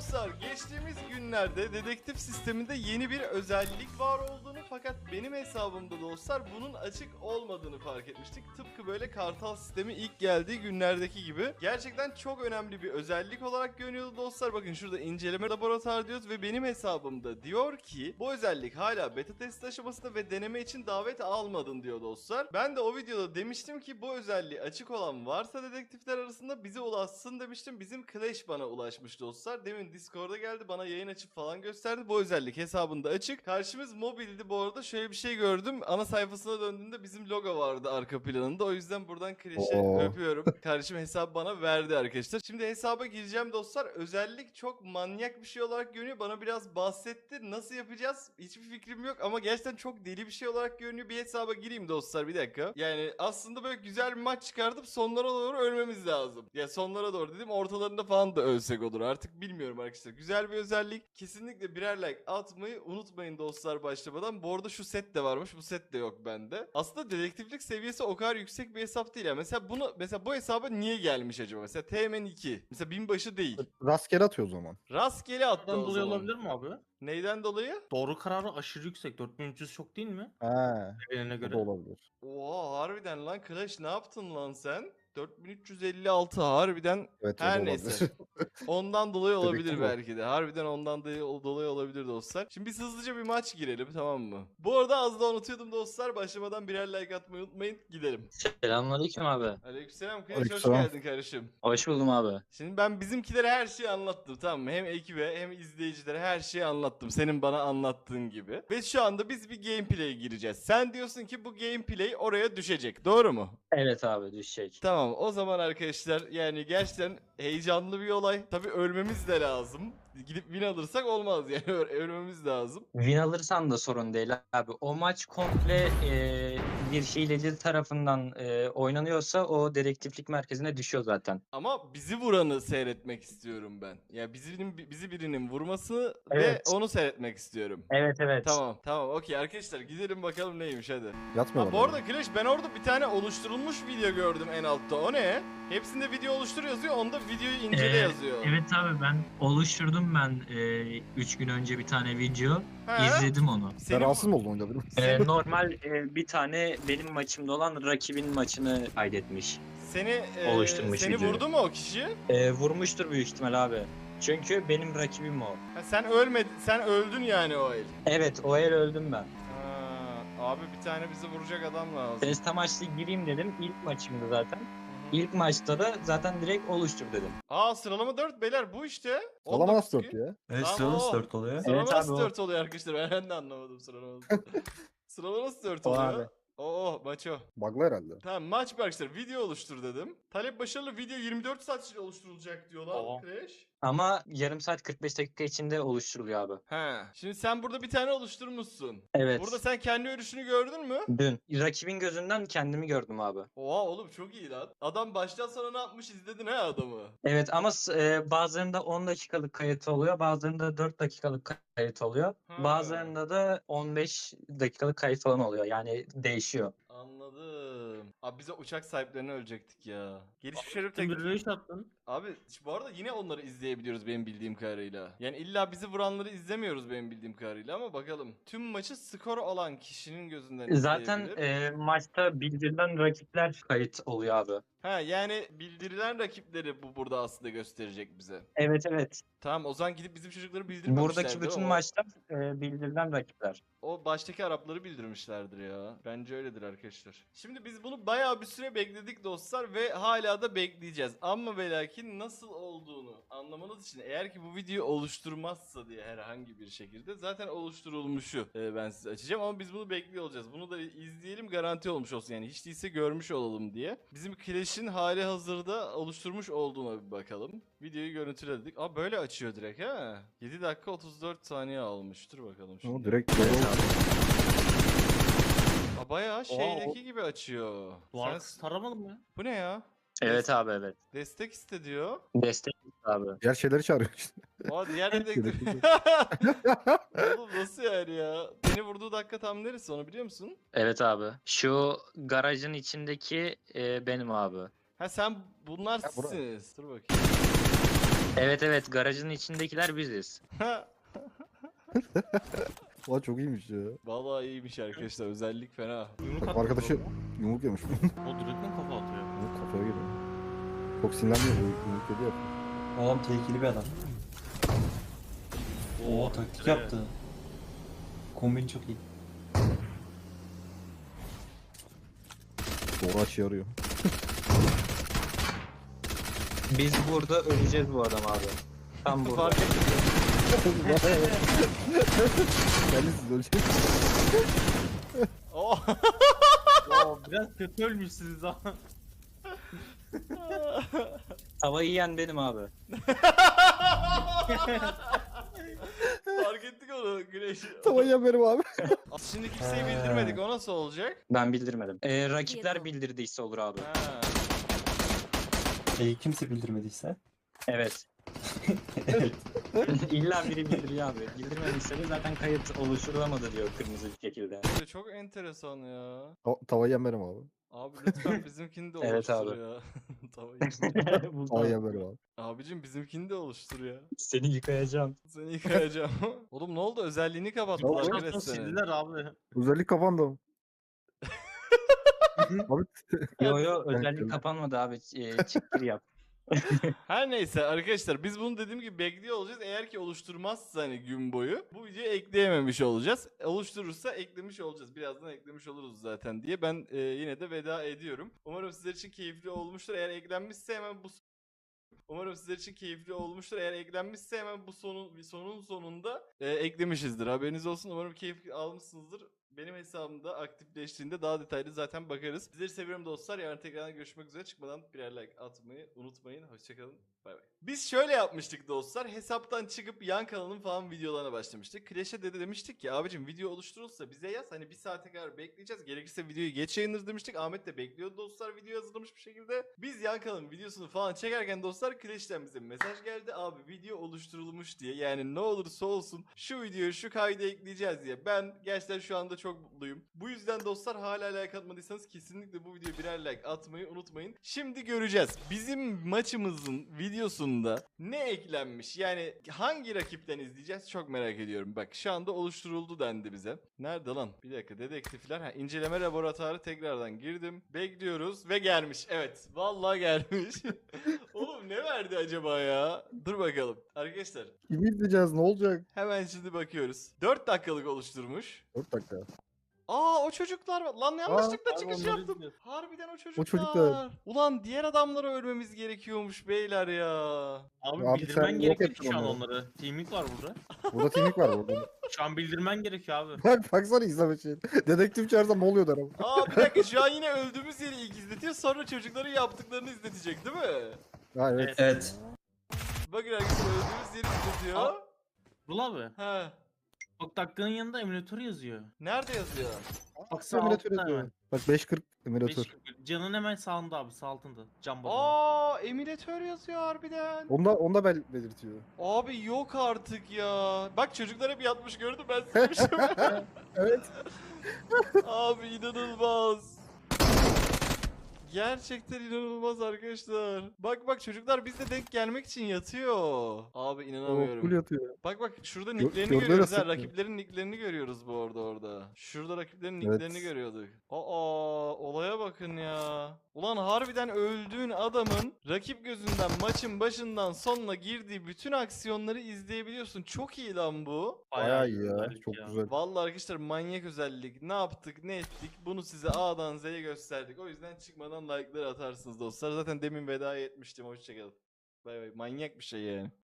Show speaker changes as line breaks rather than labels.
dostlar, geçtiğimiz günlerde dedektif sisteminde yeni bir özellik var olduğunu fakat benim hesabımda dostlar bunun açık olmadığını fark etmiştik. Tıpkı böyle Kartal sistemi ilk geldiği günlerdeki gibi. Gerçekten çok önemli bir özellik olarak görünüyordu dostlar. Bakın şurada inceleme laboratuvarı diyoruz ve benim hesabımda diyor ki bu özellik hala beta test aşamasında ve deneme için davet almadın diyor dostlar. Ben de o videoda demiştim ki bu özelliği açık olan varsa dedektifler arasında bize ulaşsın demiştim. Bizim Clash bana ulaşmış dostlar. Demin Discord'a geldi, bana yayın açıp falan gösterdi. Bu özellik hesabında açık. Karşımız mobildi bu arada. Şöyle bir şey gördüm. Ana sayfasına döndüğümde bizim logo vardı arka planında. O yüzden buradan Clash'i öpüyorum. Kardeşim hesabı bana verdi arkadaşlar. Şimdi hesaba gireceğim dostlar. Özellik çok manyak bir şey olarak görünüyor. Bana biraz bahsetti. Nasıl yapacağız? Hiçbir fikrim yok ama gerçekten çok deli bir şey olarak görünüyor. Bir hesaba gireyim dostlar, bir dakika. Yani aslında böyle güzel bir maç çıkartıp sonlara doğru ölmemiz lazım. Ya sonlara doğru dedim, ortalarında falan da ölsek olur. Artık bilmiyorum arkadaşlar. Güzel bir özellik. Kesinlikle birer like atmayı unutmayın dostlar başlamadan. Bu arada şu set de varmış. Bu set de yok bende. Aslında dedektiflik seviyesi o kadar yüksek bir hesap değil ya. Mesela bu hesaba niye gelmiş acaba? Mesela TMN2. Mesela binbaşı değil.
Rastgele atıyor o zaman.
Rastgele attı
Bundan
o
dolayı
zaman.
olabilir mi abi?
Neyden dolayı?
Doğru kararı aşırı yüksek. 4300 çok değil mi?
He.
Seviyelerine
O da
göre.
olabilir.
Oha harbiden lan Clash, ne yaptın lan sen? 4356 harbiden,
Evet, o
her
da
neyse.
olabilir.
Ondan dolayı olabilir
Dedektif o.
belki de. Harbiden ondan dolayı olabilir dostlar. Şimdi biz hızlıca bir maç girelim, tamam mı? Bu arada az da unutuyordum dostlar. Başlamadan birer like atmayı unutmayın. Gidelim.
Selamünaleyküm abi.
Aleykümselam. Kılıç, hoş
Aleykümselam.
geldin kardeşim.
Hoş buldum abi.
Şimdi ben bizimkilere her şeyi anlattım, tamam mı? Hem ekibe hem izleyicilere her şeyi anlattım. Senin bana anlattığın gibi. Ve şu anda biz bir gameplay'e gireceğiz. Sen diyorsun ki bu gameplay oraya düşecek. Doğru mu?
Evet abi düşecek.
Tamam, o zaman arkadaşlar yani gerçekten heyecanlı bir olay. Tabii ölmemiz de lazım. Gidip win alırsak olmaz yani, ölmemiz lazım.
Win alırsan da sorun değil abi. O maç komple bir hileci tarafından oynanıyorsa o dedektiflik merkezine düşüyor zaten.
Ama bizi vuranı seyretmek istiyorum ben. Ya bizi birinin vurması ve
Evet.
onu seyretmek istiyorum.
Evet evet.
Tamam okey arkadaşlar, gidelim bakalım neymiş hadi.
Yatmıyor.
Ha, bu arada Clash, ben orada bir tane oluşturulmuş video gördüm en altta. O ne? Hepsinde video oluştur yazıyor. Onda videoyu incele yazıyor.
Evet abi, ben oluşturdum 3 gün önce bir tane video.
He?
İzledim onu.
Sen
Seni,
rahatsız mı oldun oyunda benim?
Normal bir tane benim maçımda olan rakibin maçını kaydetmiş. Oluşturmuş
seni
videoyu.
vurdu mu o kişi?
Vurmuştur büyük ihtimal abi. Çünkü benim rakibim o.
Ha, sen öldün yani o el.
Evet o el öldüm ben.
Ha, abi bir tane bizi vuracak adam lazım.
Test amaçlı gireyim dedim. İlk maçımdı zaten. İlk maçta da zaten direkt oluştur dedim.
Aa, sıralama 4 beyler, bu işte.
Sıralama nasıl
19
4 ya?
Evet,
Tamam,
sıra nasıl
o.
4 oluyor?
Sıralama
Evet
nasıl
abi, o.
4 oluyor arkadaşlar? Ben de anlamadım sıralama. Sıralama nasıl 4
O
oluyor?
abi.
Oo, maç o.
Bug'lı herhalde.
Tamam, maç bir arkadaşlar. Video oluştur dedim. Talep başarılı, video 24 saat içinde oluşturulacak diyorlar.
Oo.
Crash.
Ama yarım saat 45 dakika içinde oluşturuluyor abi.
He. Şimdi sen burada bir tane oluşturmuşsun.
Evet.
Burada sen kendi ölüşünü gördün mü?
Dün. Rakibin gözünden kendimi gördüm abi.
Oha oğlum, çok iyi lan. Adam baştan sona ne yapmış, izledin ha adamı.
Evet ama bazılarında 10 dakikalık kayıt oluyor. Bazılarında 4 dakikalık kayıt oluyor.
Ha.
Bazılarında da 15 dakikalık kayıt falan oluyor. Yani değişiyor.
Anladım. Abi bize uçak sahiplerini ölecektik ya. Gelişmiş herif
Sen
tek...
bir röş attın.
Abi bu arada yine onları izleyebiliyoruz benim bildiğim kadarıyla. Yani illa bizi vuranları izlemiyoruz benim bildiğim kadarıyla ama bakalım. Tüm maçı skor olan kişinin gözünden
Zaten
izleyebilir.
maçta bildirilen rakipler kayıt oluyor abi.
Ha, yani bildirilen rakipleri bu burada aslında gösterecek bize.
Evet evet.
Tamam, o zaman gidip bizim çocukları bildirmemişler.
Buradaki bütün
O-
maçlar bildirilen rakipler.
O baştaki Arapları bildirmişlerdir ya. Bence öyledir arkadaşlar. Şimdi biz bunu bayağı bir süre bekledik dostlar ve hala da bekleyeceğiz. Ama ve lakin nasıl olduğunu anlamanız için, eğer ki bu videoyu oluşturmazsa diye herhangi bir şekilde, zaten oluşturulmuşu ben size açacağım ama biz bunu bekliyor olacağız. Bunu da izleyelim, garanti olmuş olsun yani, hiç değilse görmüş olalım diye. Bizim Clash'in hali hazırda oluşturmuş olduğuna bir bakalım. Videoyu görüntüledik. Aa, böyle açıyor direkt ha. 7 dakika 34 saniye almış. Dur bakalım şimdi.
O direkt
Aa, bayağı şeydeki gibi açıyor.
Duvar
Sen...
taramadın mı ya?
Bu ne ya?
Evet abi evet.
Destek iste diyor.
Destek abi.
diğer şeyleri çağırıyor işte.
Aa, diğer dedektif. Oğlum nasıl yani ya? Beni vurduğu dakika tam neresi, onu biliyor musun?
Evet abi. Şu garajın içindeki benim abi.
Ha, sen bunlar
Ha, bura.
sizsiniz. Dur bakayım.
Evet evet, garajın içindekiler biziz.
Ulan çok iyiymiş ya.
Vallahi iyiymiş arkadaşlar. Özellik fena.
Yumruk
Bak
attı
arkadaşı
adama.
yumruk yemiş.
O direkten kafa atıyor.
Yumruk kafaya giriyor. Çok sinirlenmiyor. Yumruk yedi ya.
Oğlum tehlikeli bir adam. Oo taktik yaptı. Kombin çok iyi.
Doğru açı yarıyor.
Biz burada öleceğiz bu adam abi. Tam burada.
Fark ettim.
Kendisiz ölecek.
Oh.
Oo, biraz kötü ölmüşsünüz ama.
Tavayı yiyen benim abi.
Fark ettik onu Güneş.
Tamam ya benim abi.
Şimdi kimseyi bildirmedik. O nasıl olacak?
Ben bildirmedim. Rakipler bildirdiyse olur abi.
Ha.
Kimse bildirmediyse.
Evet.
Evet.
İlla biri bildiriyor abi. Bildirmediyse de zaten kayıt oluşturulamadı diyor kırmızı bir şekilde.
Çok enteresan ya.
Tavayı yem benim abi.
Abi lütfen bizimkini de
Evet
oluştur
abi.
ya. Tavayı.
Tavayı yem benim abi.
Abicim bizimkini de oluştur ya.
Seni yıkayacağım.
Seni yıkayacağım. Oğlum ne oldu? Özelliğini kapattılar
Oldu.
Güneş
Sonra
seni.
sildiler abi.
Özellik kapandı. Abi
Yo
Evet,
özellik
evet.
kapanmadı abi. Çıktır yap.
Her neyse arkadaşlar biz bunu dediğim gibi bekliyor olacağız. Eğer ki oluşturmazsa hani gün boyu bu videoyu ekleyememiş olacağız. Oluşturursa eklemiş olacağız. Birazdan eklemiş oluruz zaten diye ben yine de veda ediyorum. Umarım sizler için keyifli olmuştur. Eğer eklenmişse hemen bu Umarım sizler için keyifli olmuştur. Eğer eklenmişse hemen bu sonun sonunda eklemişizdir. Haberiniz olsun. Umarım keyif almışsınızdır. Benim hesabımda aktifleştiğinde daha detaylı zaten bakarız. Sizleri seviyorum dostlar. Yarın tekrardan görüşmek üzere. Çıkmadan birer like atmayı unutmayın. Hoşçakalın. Bay bay. Biz şöyle yapmıştık dostlar. Hesaptan çıkıp yan kanalın falan videolarına başlamıştık. Clash'e demiştik ki abicim video oluşturulsa bize yaz. Hani bir saate kadar bekleyeceğiz. Gerekirse videoyu geç yayınlarız demiştik. Ahmet de bekliyordu dostlar video hazırlamış bir şekilde. Biz yan kanalın videosunu falan çekerken dostlar Clash'ten bize mesaj geldi. Abi video oluşturulmuş diye. Yani ne olursa olsun şu videoyu şu kaydı ekleyeceğiz diye. Ben gerçekten şu anda çok mutluyum. Bu yüzden dostlar hala like atmadıysanız kesinlikle bu videoya birer like atmayı unutmayın. Şimdi göreceğiz. Bizim maçımızın videosunda ne eklenmiş? Yani hangi rakipten izleyeceğiz? Çok merak ediyorum. Bak şu anda oluşturuldu dendi bize. Nerede lan? Bir dakika dedektifler. Ha, inceleme laboratuvarı tekrardan girdim. Bekliyoruz ve gelmiş. Evet. Vallahi gelmiş. Oğlum ne verdi acaba ya? Dur bakalım. Arkadaşlar
Kimi izleyeceğiz ne olacak?
hemen şimdi bakıyoruz. 4 dakikalık oluşturmuş.
4 dakika.
Aa o çocuklar var. Lan yanlışlıkla
Abi
çıkış
onları
yaptım.
izliyoruz.
Harbiden o çocuklar.
çocuklar.
Ulan diğer adamlara ölmemiz gerekiyormuş beyler ya.
Abi,
Abi
bildirmen
sen yok
gerekiyor
ettin
şu an
onu.
onları. Teaming var burada.
Burada timik var burada.
Şu an bildirmen gerekiyor abi.
Bak baksana izleme şey. Dedektif çağırsam ne oluyor der ama.
Aa bir dakika şu an yine öldüğümüz yeri ilk izletiyor. Sonra çocukların yaptıklarını izletecek değil mi?
Ha evet.
Evet.
Bakın arkadaşlar öldüğümüz yeri izletiyor.
Aa. Bul abi.
He.
Bak dakikanın yanında emülatör yazıyor.
Nerede yazıyor?
Bak sağ
Emülatör
altta
yazıyor.
hemen.
Bak 5.40 emülatör.
5.41. Canın hemen sağında abi, sağ altında. Cam balonu.
Aa emülatör yazıyor harbiden.
Onda belirtiyor.
Abi yok artık ya. Bak çocuklar hep yatmış gördüm ben silmişim.
Evet.
Abi inanılmaz. Gerçekten inanılmaz arkadaşlar. Bak çocuklar bizde denk gelmek için yatıyor. Abi
O
inanamıyorum.
full yatıyor.
Bak şurada
Gö-
nicklerini
gördüler
görüyoruz ha.
aslında.
Rakiplerin nicklerini görüyoruz bu arada orada. Şurada rakiplerin
Evet.
nicklerini görüyorduk. Aa olaya bakın ya. Ulan harbiden öldüğün adamın rakip gözünden maçın başından sonuna girdiği bütün aksiyonları izleyebiliyorsun. Çok iyi lan bu.
Bayağı iyi ya.
özellik
Çok
ya.
güzel.
Vallahi arkadaşlar manyak özellik. Ne yaptık ne ettik bunu size A'dan Z'ye gösterdik. O yüzden çıkmadan like'ları atarsınız dostlar. Zaten demin veda etmiştim. Hoşçakalın. Bay bay. Manyak bir şey yani.